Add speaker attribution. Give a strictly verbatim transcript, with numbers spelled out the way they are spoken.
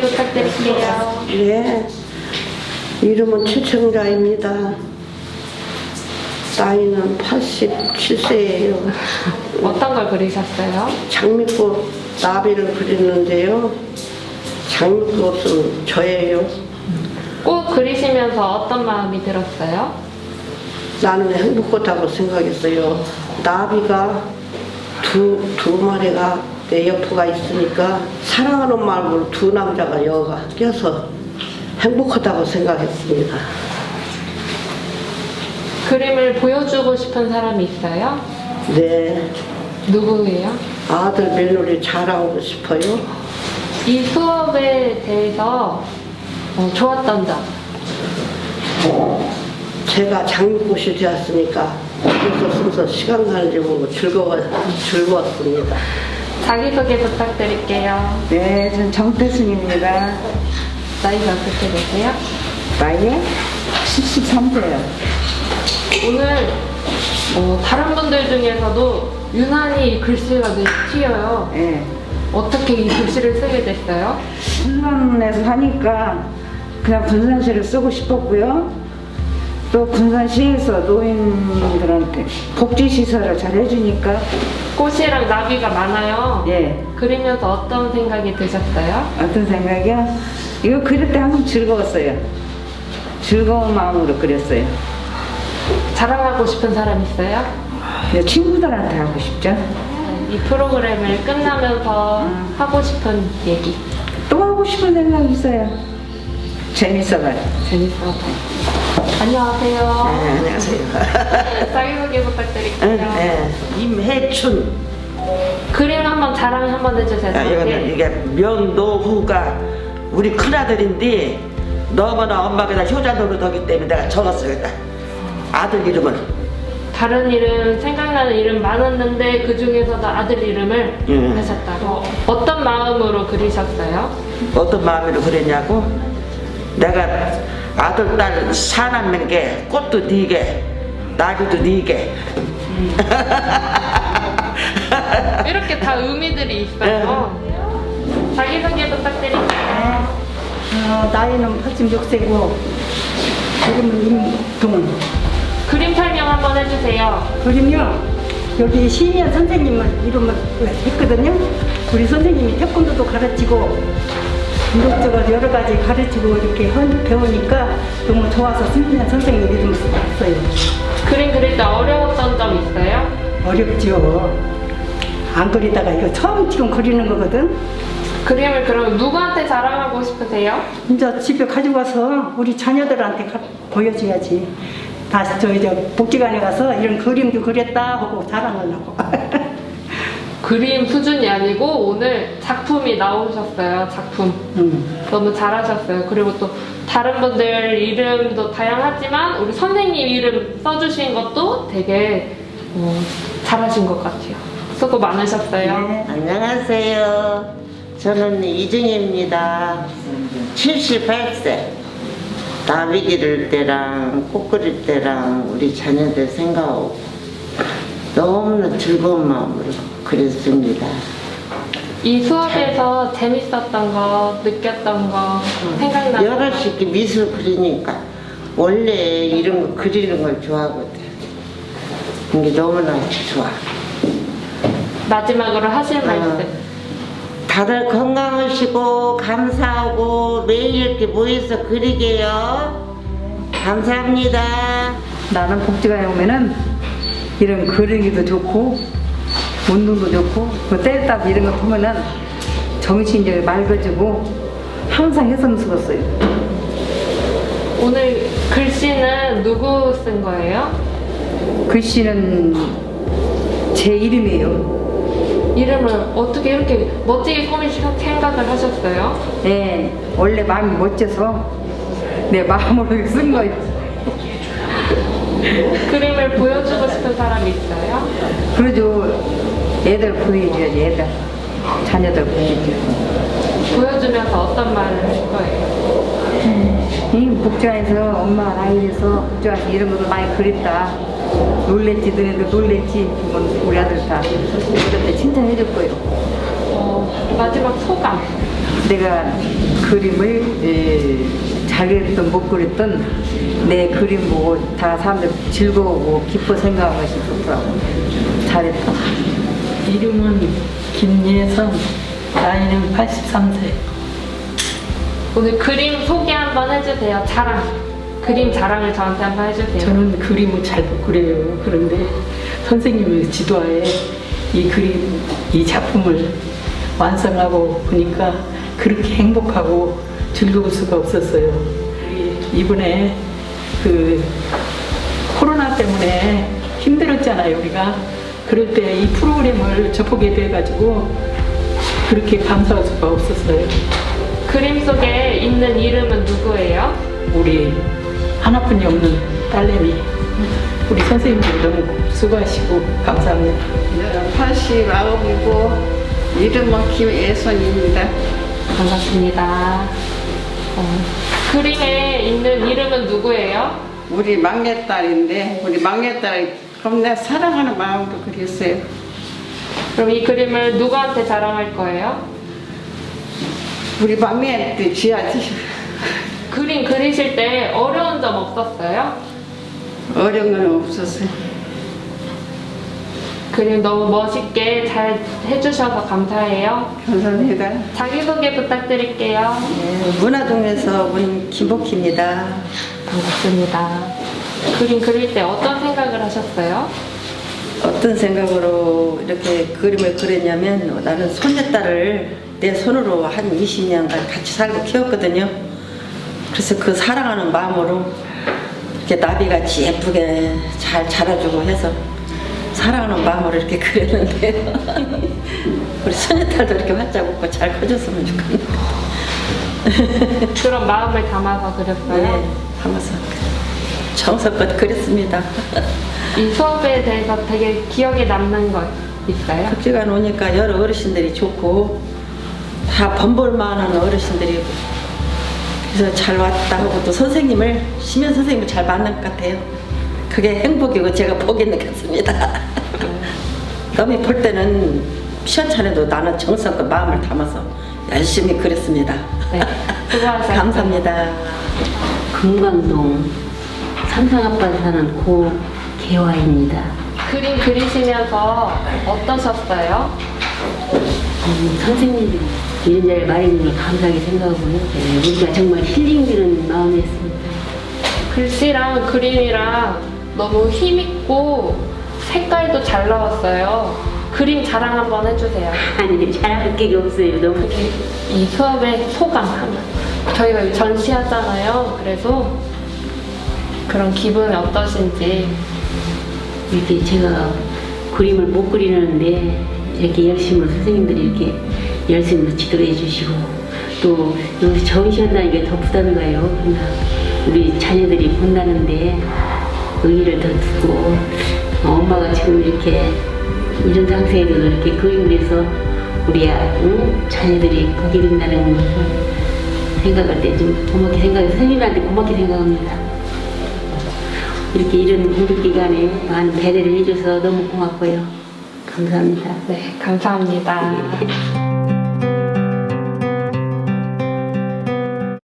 Speaker 1: 부탁드릴게요.
Speaker 2: 네, 이름은 최청자입니다. 나이는 팔십칠 세예요.
Speaker 1: 어떤 걸 그리셨어요?
Speaker 2: 장미꽃 나비를 그리는데요. 장미꽃은 저예요.
Speaker 1: 꽃 그리시면서 어떤 마음이 들었어요?
Speaker 2: 나는 행복하다고 생각했어요. 나비가 두, 두 마리가 내 옆에가 있으니까 사랑하는 마음으로 두 남자가 여가 껴서 행복하다고 생각했습니다.
Speaker 1: 그림을 보여주고 싶은 사람이 있어요?
Speaker 2: 네,
Speaker 1: 누구예요?
Speaker 2: 아들 며느리 자랑하고 싶어요.
Speaker 1: 이 수업에 대해서 어, 좋았던 점.
Speaker 2: 제가 장미꽃이 되었으니까 여기서 순서 시간 가는지 모르고 즐거워, 즐거웠습니다.
Speaker 1: 자기소개 부탁드릴게요.
Speaker 3: 네, 전 정태순입니다.
Speaker 1: 나이가 어떻게 되세요?
Speaker 3: 나이 칠십삼 세요.
Speaker 1: 오늘 어, 다른 분들 중에서도 유난히 글씨가 눈에 튀어요.
Speaker 3: 예.
Speaker 1: 어떻게 이 글씨를 쓰게 됐어요?
Speaker 3: 군산에서 사니까 그냥 군산시를 쓰고 싶었고요. 또 군산시에서 노인들한테 복지시설을 잘 해주니까
Speaker 1: 꽃이랑 나비가 많아요.
Speaker 3: 예.
Speaker 1: 그리면서 어떤 생각이 드셨어요?
Speaker 3: 어떤 생각이요? 이거 그릴 때 항상 즐거웠어요. 즐거운 마음으로 그렸어요.
Speaker 1: 자랑하고 싶은 사람 있어요?
Speaker 3: 그냥 친구들한테 하고 싶죠.
Speaker 1: 이 프로그램을 끝나면서
Speaker 3: 음.
Speaker 1: 하고 싶은 얘기.
Speaker 3: 또 하고 싶은 생각이 있어요. 재밌어가지고.
Speaker 1: 재밌어서. 안녕하세요.
Speaker 2: 네, 안녕하세요.
Speaker 1: 자기소개 부탁드릴게요.
Speaker 2: 네, 임혜춘.
Speaker 1: 그림 한번 자랑 한번 해주세요.
Speaker 4: 아, 이거는
Speaker 1: 저한테.
Speaker 4: 이게 명노후가 우리 큰아들인데 너무나 엄마가 다 효자 노릇하기 때문에 내가 적었어요. 일단. 아들 이름을.
Speaker 1: 다른 이름 생각나는 이름 많았는데 그 중에서도 아들 이름을
Speaker 4: 예.
Speaker 1: 하셨다고. 어떤 마음으로 그리셨어요?
Speaker 4: 어떤 마음으로 그랬냐고? 내가 아들 딸 사남는 게 꽃도 네개 나비도 네개
Speaker 1: 이렇게 다 의미들이 있어요. 자기소개 부탁드릴게요.
Speaker 5: 어, 나이는 팔십육 세고 이름은 임동은.
Speaker 1: 그림 설명 한번 해주세요.
Speaker 5: 그림요, 여기 시미연 선생님을 이름을 했거든요. 우리 선생님이 태권도도 가르치고 이것저것 여러 가지 가르치고 이렇게 한- 배우니까 너무 좋아서 시미연 선생님 이름을 썼어요.
Speaker 1: 그림 그릴 때 어려웠던 점 있어요?
Speaker 5: 어렵죠. 안 그리다가 이거 처음 지금 그리는 거거든.
Speaker 1: 그림을 그럼 누구한테 자랑하고 싶으세요?
Speaker 5: 이제 집에 가지고 가서 우리 자녀들한테 가- 보여줘야지. 다시 저 이제 복지관에 가서 이런 그림도 그렸다 하고 자랑을 하고.
Speaker 1: 그림 수준이 아니고 오늘 작품이 나오셨어요. 작품.
Speaker 5: 음.
Speaker 1: 너무 잘하셨어요. 그리고 또 다른 분들 이름도 다양하지만 우리 선생님 이름 써주신 것도 되게 어, 잘하신 것 같아요. 수고 많으셨어요.
Speaker 5: 네.
Speaker 6: 안녕하세요. 저는 이정혜입니다. 칠십팔 세. 나비 기를 때랑 꽃 그릴 때랑 우리 자녀들 생각하고 너무나 즐거운 마음으로 그렸습니다.
Speaker 1: 이 수업에서 재밌었던 거, 느꼈던 거 생각나는 거.
Speaker 6: 여럿이 이렇게 미술 그리니까 원래 이런 거 그리는 걸 좋아하거든. 이게 너무나 좋아.
Speaker 1: 마지막으로 하실 말씀.
Speaker 6: 다들 건강하시고 감사하고 매일 이렇게 모여서 그리게요. 감사합니다.
Speaker 3: 나는 복지관에 오면은 이런 그리기도 좋고 운동도 좋고 그 떼딱 이런 거 보면은 정신이 이제 맑아지고 항상 해성 쓰었어요.
Speaker 1: 오늘 글씨는 누구 쓴 거예요?
Speaker 3: 글씨는 제 이름이에요.
Speaker 1: 이름을 어떻게 이렇게 멋지게 꾸미실 생각을 하셨어요?
Speaker 3: 네, 원래 마음이 멋져서 내 마음으로 쓴 거예요.
Speaker 1: 그림을 보여주고 싶은 사람이 있어요?
Speaker 3: 그래도 애들 보여줘야지, 애들. 자녀들 보여줘야지.
Speaker 1: 보여주면서 어떤 말을 할 거예요?
Speaker 3: 이 복지관에서 엄마가 나이에서 복지관에서 이런 것도 많이 그립다. 놀랬지, 너네도 놀랬지. 그건 우리 아들 다 어릴 때 칭찬해 줄 거예요.
Speaker 1: 어, 마지막 소감.
Speaker 3: 내가 그림을 에, 잘 그렸든 못 그렸든 내 그림 보고 다 사람들 즐거우고 기뻐 생각하는 것이 좋더라고. 잘했다.
Speaker 7: 이름은 김예선, 나이는 팔십삼 세.
Speaker 1: 오늘 그림 소개 한번 해주세요. 자랑. 그림 자랑을 저한테 한번 해주세요.
Speaker 7: 저는 그림을 잘 못 그려요. 그런데 선생님의 지도하에 이 그림, 이 작품을 완성하고 보니까 그렇게 행복하고 즐거울 수가 없었어요. 우리 이번에 그 코로나 때문에 힘들었잖아요, 우리가. 그럴 때 이 프로그램을 접하게 돼가지고 그렇게 감사할 수가 없었어요.
Speaker 1: 그림 속에 있는 이름은 누구예요?
Speaker 7: 우리 하나뿐이 없는 딸내미, 우리 선생님들 너무 수고하시고 감사합니다.
Speaker 2: 팔십구이고 이름은 김예선입니다.
Speaker 1: 반갑습니다. 어, 그림에 있는 이름은 누구예요?
Speaker 2: 우리 막내딸인데 우리 막내딸이 겁나 사랑하는 마음으로 그렸어요.
Speaker 1: 그럼 이 그림을 누구한테 자랑할 거예요?
Speaker 2: 우리 막내한테 지어야지.
Speaker 1: 그림 그리실 때 어려운 점 없었어요?
Speaker 2: 어려운 건 없었어요.
Speaker 1: 그림 너무 멋있게 잘 해주셔서 감사해요.
Speaker 2: 감사합니다.
Speaker 1: 자기소개 부탁드릴게요.
Speaker 8: 네, 문화동에서 온 김복희입니다.
Speaker 1: 반갑습니다. 그림 그릴 때 어떤 생각을 하셨어요?
Speaker 8: 어떤 생각으로 이렇게 그림을 그렸냐면 나는 손녀딸을 내 손으로 한 이십 년간 같이 살고 키웠거든요. 그래서 그 사랑하는 마음으로 이렇게 나비같이 예쁘게 잘 자라주고 해서 사랑하는 마음으로 이렇게 그렸는데요. 우리 손녀딸도 이렇게 활짝 웃고 잘 커졌으면 좋겠네요.
Speaker 1: 그런 마음을 담아서 그렸어요?
Speaker 8: 네, 담아서 정성껏 그렸습니다.
Speaker 1: 이 수업에 대해서 되게 기억에 남는 거 있어요?
Speaker 8: 급지가 오니까 여러 어르신들이 좋고 다 번볼만한 어르신들이 그래서 잘 왔다 하고 또 선생님을 심연 선생님을 잘 만난 것 같아요. 그게 행복이고 제가 복이 느꼈습니다. 남이 볼 때는 시원찮아도 나는 정성껏 마음을 담아서 열심히 그렸습니다.
Speaker 1: 네, 수고하셨습니다.
Speaker 8: 감사합니다.
Speaker 9: 금강동 삼성아파트 사는 고개화입니다.
Speaker 1: 그림 그리시면서 어떠셨어요?
Speaker 9: 음, 선생님들이 이런 자리를 마련해 걸 감사하게 생각하고요. 네, 우리가 정말 힐링되는 마음이었습니다.
Speaker 1: 글씨랑 그림이랑 너무 힘있고 색깔도 잘 나왔어요. 그림 자랑 한번 해주세요.
Speaker 9: 아니, 잘할 게 없어요. 너무.
Speaker 1: 이 수업의 소감 하면 저희가 여기 전시하잖아요. 그래서 그런 기분이 어떠신지.
Speaker 9: 이렇게 제가 그림을 못 그리는데 이렇게 열심히 선생님들이 이렇게 열심히 지도해 주시고 또 여기서 전시한다는 게 더 부담이 가요. 그러나 우리 자녀들이 본다는데 의의를 더 두고 엄마가 지금 이렇게 이런 상태에도 이렇게 그림을 해서 우리 응? 자녀들이 보게 된다는 것을 생각할 때 좀 고맙게 생각해요. 선생님한테 고맙게 생각합니다. 이렇게 이런 공백 기간에 많은 배려를 해줘서 너무 고맙고요. 감사합니다.
Speaker 1: 네, 감사합니다.